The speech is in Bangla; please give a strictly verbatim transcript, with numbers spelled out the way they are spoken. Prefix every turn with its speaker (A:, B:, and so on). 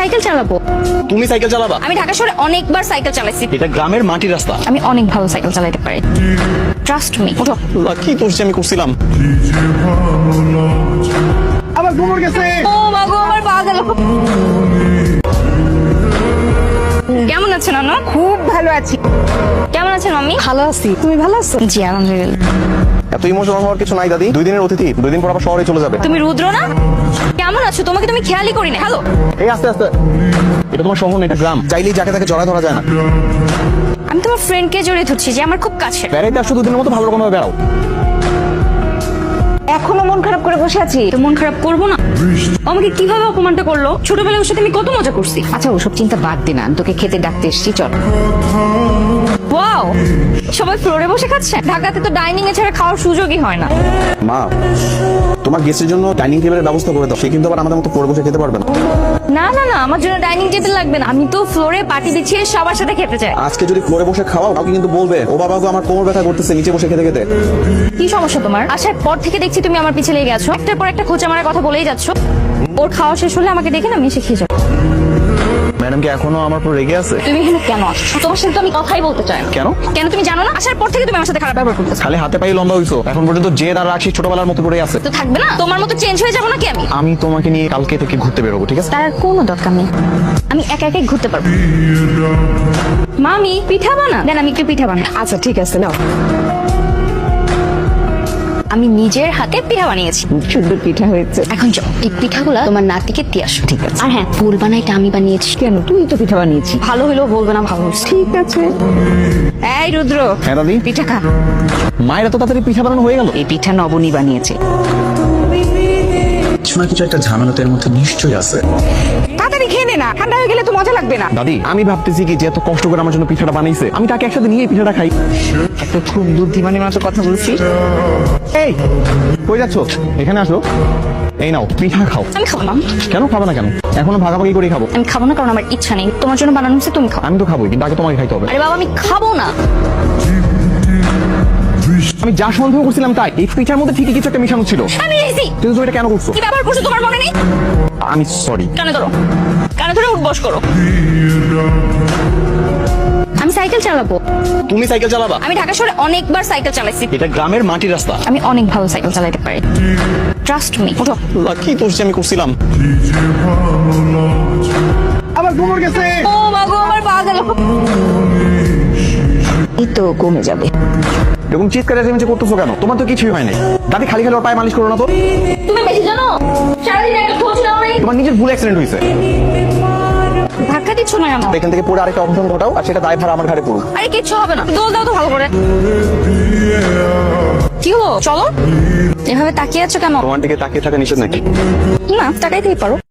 A: সাইকেল চালাবো।
B: তুমি সাইকেল চালাবা?
A: আমি ঢাকা শহরে অনেকবার সাইকেল চালাইছি।
B: এটা গ্রামের মাটির রাস্তা।
A: আমি অনেক ভালো সাইকেল চালাতে পারি, ট্রাস্ট মি। ওঠো।
B: কি করছি আমি করছিলাম। আবার ঘুমোর গেছে।
A: ও মা গো, আমার পা গেল। কেমন আছেন আনো?
C: খুব ভালো আছি।
A: কেমন আছেন মাম্মি?
C: ভালো আছি, তুমি ভালো আছো?
A: জি আলহামদুলিল্লাহ।
B: এত ইমোশনাল হওয়ার কিছু নাই দাদি, দুই দিনের অতিথি, দুই দিন পর আবার শহরে চলে যাবে।
A: তুমি রুদ্র না? কেমন আছো? তোমাকে তুমি খেয়ালই করি না। হ্যালো,
B: এই আস্তে আস্তে, এটা তোমার শহর না, এটা গ্রাম। চাইলেই যাকে তাকে জড়ায় ধরা যায় না।
A: আমি তোমার ফ্রেন্ডকে জড়িয়ে ধরছি যে আমার খুব কাছের।
B: বেড়াইতে আসছো দুদিনের মতো ভালো রকম ভাবে বেড়াও।
C: এখনো মন খারাপ করে বসে আছি?
A: তো মন খারাপ করবো না? ও আমাকে কিভাবে অপমানটা করলো? ছোটবেলায় ওর সাথে আমি কত মজা করছি।
C: আচ্ছা ওসব চিন্তা বাদ দে না, আমি তোকে খেতে ডাকতে এসেছি, চল।
A: ওয়াও, সবাই ফ্লোরে বসে খাচ্ছে। ঢাকাতে তো ডাইনিং এ ছাড়া খাওয়ার সুযোগই হয় না।
B: মা, তোমার গেস্টের জন্য ডাইনিং টেবিলের ব্যবস্থা করে দাও। সে কিন্তু আবার আমাদের মতো পড়ে বসে খেতে পারবে না।
A: না না না, আমার জন্য ডাইনিং টেবিল লাগবে না। আমি তো ফ্লোরে পাটি বিছিয়ে সবার সাথে খেতে চাই।
B: আজকে যদি ফ্লোরে বসে খাওয়াও, কাউকে কিন্তু বলবে ও বাবা তো আমার কোমর ব্যথা করতেছে নিচে বসে খেতে খেতে।
A: কি সমস্যা তোমার? আসার পর থেকে দেখছি তুমি আমার পিছে লেগে গেছো, একটার পর একটা খোঁচা মারার কথা বলেই যাচ্ছ। ওর খাওয়া শেষ হলে আমাকে দেখে না, আমি এসে খেয়ে যাবো।
B: ম্যাডাম কি এখনো আমার উপর রেগে আছে?
A: তুমি এখানে কেন আসছো? তোমার সাথে তো আমি কথাই বলতে চাই না।
B: কেন?
A: কেন তুমি জানো না? আসার পর থেকে তুমি আমার সাথে খারাপ ব্যবহার করতেছো।
B: খালি হাতে পায়ে লম্বা হইছো, এখন পর্যন্ত যে তার রাখছি ছোটবেলার মতো করে আছে।
A: তো থাকবে না? তোমার মতো চেঞ্জ হয়ে যাবো নাকি আমি?
B: আমি তোমাকে নিয়ে কালকে থেকে ঘুরতে বেরোবো, ঠিক আছে?
A: তার আর কোনো দরকার নেই, আমি একা একাই ঘুরতে পারবো। মামি পিঠা বানা দেন, আমি একটু পিঠা বানা।
C: আচ্ছা ঠিক আছে, নাও।
A: আমি নিজের হাতে পিঠা বানিয়েছি,
C: খুব সুন্দর পিঠা হয়েছে।
A: এখন যাও এই পিঠাগুলো তোমার নাতিকে দিয়ে আসো।
C: ঠিক আছে।
A: আর হ্যাঁ, ফুল বানাইটা আমি বানিয়েছি।
C: কেন, তুই তো পিঠা বানিয়েছি।
A: ভালো হলেও বলবে না ভালো হয়েছে।
C: ঠিক আছে। এই রুদ্র,
B: হ্যাঁ দাদি।
C: পিঠা খা।
B: মায়ের এত তাড়াতাড়ি পিঠা বানানো হয়ে গেল?
C: এই পিঠা নবনী বানিয়েছে।
B: কিছু না কিছু একটা ঝামেলা এর মধ্যে নিশ্চয়ই আছে।
C: তাড়াতাড়ি খেয়ে নে না, ঠান্ডা হয়ে গেলে তো মজা লাগবে না।
B: দাদি, আমি ভাবতেছি কি যে এত কষ্ট করে আমার জন্য পিঠাটা বানাইছে, আমি তাকে একসাথে নিয়ে এই পিঠাটা খাই।
C: একটা খুব বুদ্ধিমানের মতো কথা বলছি।
B: এই কই যাচ্ছ? এখানে আসো, এই নাও পিঠা খাও।
A: আমি খাবো না।
B: কেন খাবে না? কেন এখনো ভাগাভাগি করে খাবো।
A: আমি খাবো না কারণ আমার ইচ্ছা নেই। তোমার জন্য বানানো হচ্ছে, তুমি খাও।
B: আমি তো খাবোই, কিন্তু আগে তোমাকে খাইতে হবে।
A: আরে বাবা, আমি খাবো না।
B: আমি যা সন্দেহ করছিলাম তাই, এই পিঠার মধ্যে ঠিকই কিছু একটা মিশানো ছিল।
A: আমি এসেছি।
B: কিন্তু তুমি এটা কেন করছো?
A: কি ব্যবহার করছো তোমার মনে নেই?
B: আমি সরি।
A: কানে ধরো, কানে ধরে উঠবস করো। আমি সাইকেল চালাবো।
B: তুমি সাইকেল চালাবা?
A: আমি ঢাকা শহরে অনেকবার সাইকেল চালাইছি।
B: এটা গ্রামের মাটির রাস্তা।
A: আমি অনেক ভালো সাইকেল চালাতে পারি, ট্রাস্ট মি। ওঠো।
B: কি করছি আমি করছিলাম। আবার ঘুমোর গেছে।
A: ও মা গো, আমার পা গেল।
C: এই তো কমে যাবে।
B: এরকম চিৎকার চেঁচামেচি করতেছো কেন? তোমার তো কিছুই হয় নাই। দাদি খালি খালি ওর পায়ে মালিশ করো না তো।
A: তুমি বেশি জানো? সারাদিন একটা খোঁজ নাও নাই।
B: তোমার নিজের ভুল অ্যাক্সিডেন্ট হয়েছে।
A: ধাক্কা দিচ্ছ না কেন?
B: এখান থেকে পড়ে আরেকটা অঘটন ঘটাও, আর সেটা দায় ভার আমার ঘাড়ে পড়ুক।
A: আরে কিচ্ছু হবে না, দোল দাও তো ভালো করে। কি হলো? চলো। এভাবে তাকিয়ে আছো কেন?
B: তোমার দিকে তাকিয়ে থাকা নিষেধ নাকি?
A: না, তাকাইতেই পারো।